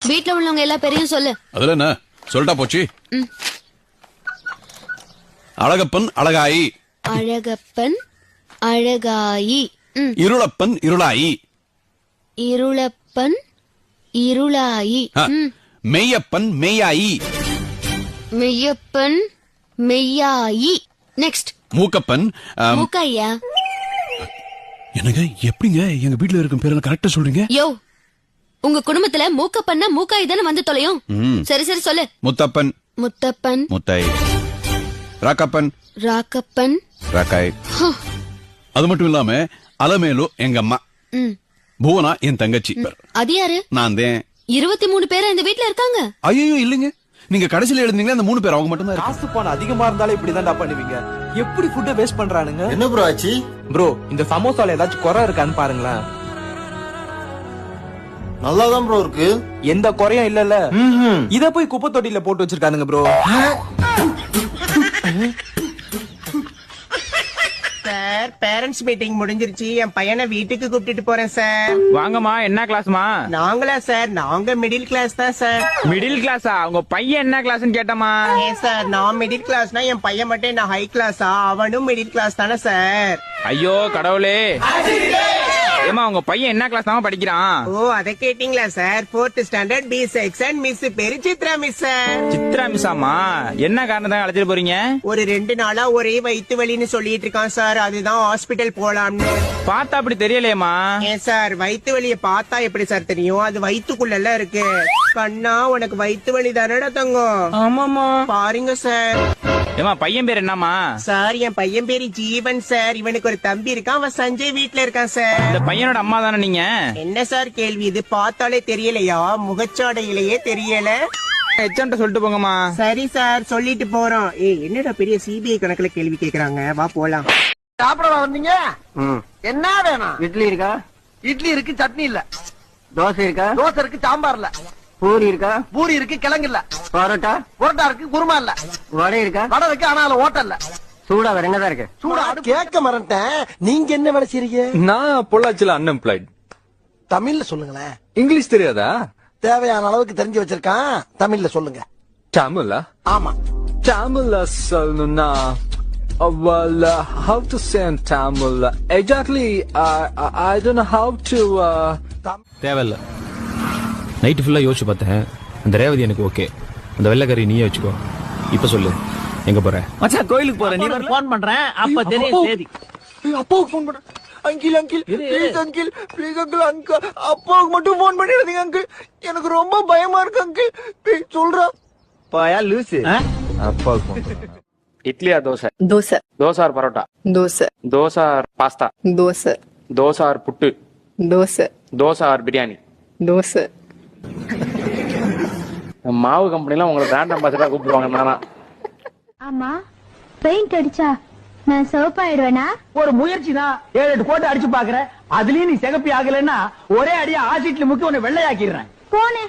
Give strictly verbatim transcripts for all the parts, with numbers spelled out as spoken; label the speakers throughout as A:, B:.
A: வீட்ல உள்ளவங்க எல்லா பேரையும் சொல்லு.
B: அதுல என்ன சொல்லிட்டா போச்சு. அழகப்பன் அழகாயி.
A: அழகப்பன் அழகாயி.
B: இருளப்பன் இருளாயி.
A: இருளப்பன் இருளாயி.
B: மெய்யப்பன் மெய்யாயி.
A: மெய்யப்பன் மெய்யாயி. நெக்ஸ்ட்
B: மூக்கப்பன்
A: மூக்கையா.
B: என்னங்க எப்படிங்க எங்க வீட்டுல இருக்கும் பேரெல்லாம் கரெக்டா சொல்றீங்க?
A: யோ, உங்க குடும்பத்துல மூக்கப்பன்னா மூக்காய் தானே வந்து தொலையும். சரி சரி சொல்லு.
B: முத்தப்பன்
A: முத்தப்பன்
B: முத்தாய். ராக்கப்பன்
A: ராக்கப்பன்
B: ராக்காய். அது மட்டும் இல்லாம அலமேலு எங்க அம்மா, புவனா என் தங்கச்சி.
A: அது யாரு?
B: நான் தான்.
A: இருபத்தி மூணு பேரா இந்த வீட்டுல இருக்காங்க?
B: ஐயோ இல்லைங்க, நீங்க கடைசியில எழுந்தீங்களா அந்த மூணு பேர் அவங்க மட்டும் தான்.
C: காசு பணம் அதிகமா இருந்தாலே இப்படிதான்டா பண்ணுவீங்க. எப்படி ஃபுட்ட வேஸ்ட் பண்றானுங்க?
D: என்ன ப்ரோ ஆச்சு?
C: ப்ரோ இந்த சமோசால ஏதாச்சும் குறை இருக்கான்னு பாருங்களேன்.
D: நல்லாதான் ப்ரோ இருக்கு.
C: எந்த குறையும் இல்லல்ல. இத போய் குப்பை தொட்டியில போட்டு வச்சிருக்கானுங்க ப்ரோ.
E: சார் பேரண்ட்ஸ் மீட்டிங் முடிஞ்சிருச்சு, என் பையனை வீட்டுக்கு கூப்பிட்டு போறேன் சார்.
F: வாங்கம்மா, என்ன கிளாஸ்மா?
E: நாங்களா சார்? நாங்க மிடில் கிளாஸ் தான் சார்.
F: மிடில் கிளாஸா? உங்க பையன் என்ன கிளாஸ்னு கேட்டமா?
E: ஏன் சார், நான் மிடில் கிளாஸ்னா என் பையன் மட்டும் என்ன ஹை கிளாஸா? அவனும் மிடில் கிளாஸ் தானே சார்.
F: ஐயோ கடவுளே. ஏமா உங்க பையன் என்ன கிளாஸ் தான் படிக்கிறான்?
E: ஓ அத கேட்டீங்களா sir? Fourth standard B section. Miss பேரு சித்ரா மிஸ் சார்.
F: சித்ரா மிஸ்ஸாமா? என்ன காரணத்தான் அழைச்சிட்டு போறீங்க?
E: ஒரு ரெண்டு நாளா ஒரே வயிற்று வலின்னு சொல்லிட்டு இருக்கான் சார், அதுதான் ஹாஸ்பிட்டல் போலாம்னு.
F: பார்த்தா அப்படி தெரியலையேமா.
E: ஏன் சார், வயிற்று வலிய பார்த்தா எப்படி சார் தெரியும்? அது வயிற்றுக்குள்ள இருக்கு. கண்ணா உனக்கு வயிற்று வலி தானடா தங்கம்? ஆமாமா பாருங்க சார்.
F: ஏமா பையன் பேர் என்னமா?
E: சார் என் பையன் பேரு ஜீவன் சார். இவனுக்கு ஒரு தம்பி இருக்கான், அவன் சஞ்சய் வீட்டுல இருக்கான் சார்.
F: இந்த பையனோட அம்மா தானே நீங்க?
E: என்ன சார் கேள்வி இது? பார்த்தாலே தெரியலையா? முகச்சாடையிலேயே தெரியல.
F: எச்சன்ட்ட சொல்லிட்டு போங்கம்மா.
E: சரி சார் சொல்லிட்டு போறோம். ஏய் என்னடா பெரிய சிபிஐ கணக்குல கேள்வி கேக்குறாங்க, வா போலாம்.
G: சாப்பிட வந்தீங்க? என்ன வேணும்?
H: இட்லி இருக்கா?
G: இட்லி இருக்கு, சட்னி இல்ல.
H: தோசை இருக்கா?
G: தோசை இருக்கு, சாம்பார் இல்ல.
H: பூரி இருக்கா?
G: பூரி இருக்கு, கிழங்கு இல்ல.
H: பரோட்டா?
G: புரோட்டா இருக்கு, குருமா இல்ல.
H: வடை இருக்கா?
G: வடை இருக்கு, ஆனா அதுல ஓட்ட இல்ல.
H: சூடா வேற என்னதான் இருக்கு?
G: சூடா கேட்க மறந்துட்டேன். நீங்க என்ன வேலை செய்றீங்க?
C: நான் பொள்ளாச்சில அன்எம்ப்ளாய்ட்.
G: தமிழ்ல சொல்லுங்களேன்.
C: இங்கிலீஷ் தெரியாதா?
G: தேவையான அளவுக்கு தெரிஞ்சு வச்சிருக்கான், தமிழ்ல சொல்லுங்க.
C: தமிழா?
G: ஆமா.
C: தமிழ்ல சொல்லணும்னா well uh, how to say in Tamil exactly I I don't know how to
I: தேவையில்ல. நைட்டு ஃபுல்லா யோசிச்சு பார்த்தேன், அந்த ரேவதி எனக்கு ஓகே, அந்த வெள்ளைக்கறி நீயே வச்சுக்கோ. இப்ப சொல்லு, எங்க போற?
H: மச்சான் கோயிலுக்கு போறேன். நீ
G: போன் பண்றேன், அப்ப தெரியும் சேதி.
C: அப்பாவுக்கு போன் பண்றேன். Uncle uncle please uncle please uncle uncle அப்பாவுக்கு மட்டும் போன் பண்ணிடுறீங்க அங்கிள், எனக்கு ரொம்ப பயமா இருக்கு அங்கிள், ப்ளீஸ் சொல்றா.
H: பாயா லூசு.
C: அப்பாவுக்கு போன் பண்றேன்.
F: இட்லியா dosa?
J: Dosa.
F: Dosa or parotta?
J: Dosa.
F: Dosa or pasta?
J: Dosa.
F: Dosa or puttu?
J: Dosa.
F: Dosa or biryani?
J: Dosa.
F: மாவு கம்பெனிலாம் உங்களை பிராண்ட் அம்பாசிடரா கூப்பிடுவாங்க நானா?
K: ஆமா, பெயிண்ட் அடிச்சா நான் சிவப்பாயிடுவேனா?
G: ஒரு முயற்சி தான். ஏழு எட்டு கோட்டை அடிச்சு பாக்குறேன், அதுலயும் நீ சிகப்பி ஆகலன்னா ஒரே அடியா ஆசிட்ல முக்கி உன்னை வெள்ளையாக்கிடுறேன்.
K: போனே.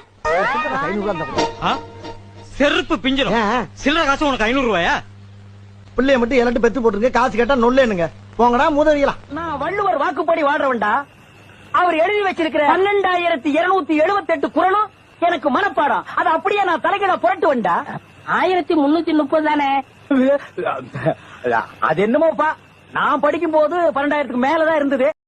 G: செருப்பு பிஞ்சிரும். சில்லற காசு உனக்கு ஐநூறு ரூபாயா? பிள்ளைய மட்டும் எல்லாத்தையும் பெத்து போட்டுருக்க, காசு கேட்டா நொல்லேனுங்க. போங்கடா மூதவியலாம். நான் வள்ளுவர் வாக்குப்படி வாழ்றவன்டா. அவர் எழுதி வச்சிருக்கிற பன்னெண்டாயிரத்தி இருநூத்தி எழுபத்தி எட்டு குறளும் எனக்கு மனப்பாடம். அது அப்படியே நான் தலைகீழ புரட்டுவேன்டா. ஆயிரத்தி முன்னூத்தி முப்பது தானே? அது என்னமோப்பா, நான் படிக்கும் போது பன்னெண்டாயிரத்துக்கு மேலதான் இருந்தது.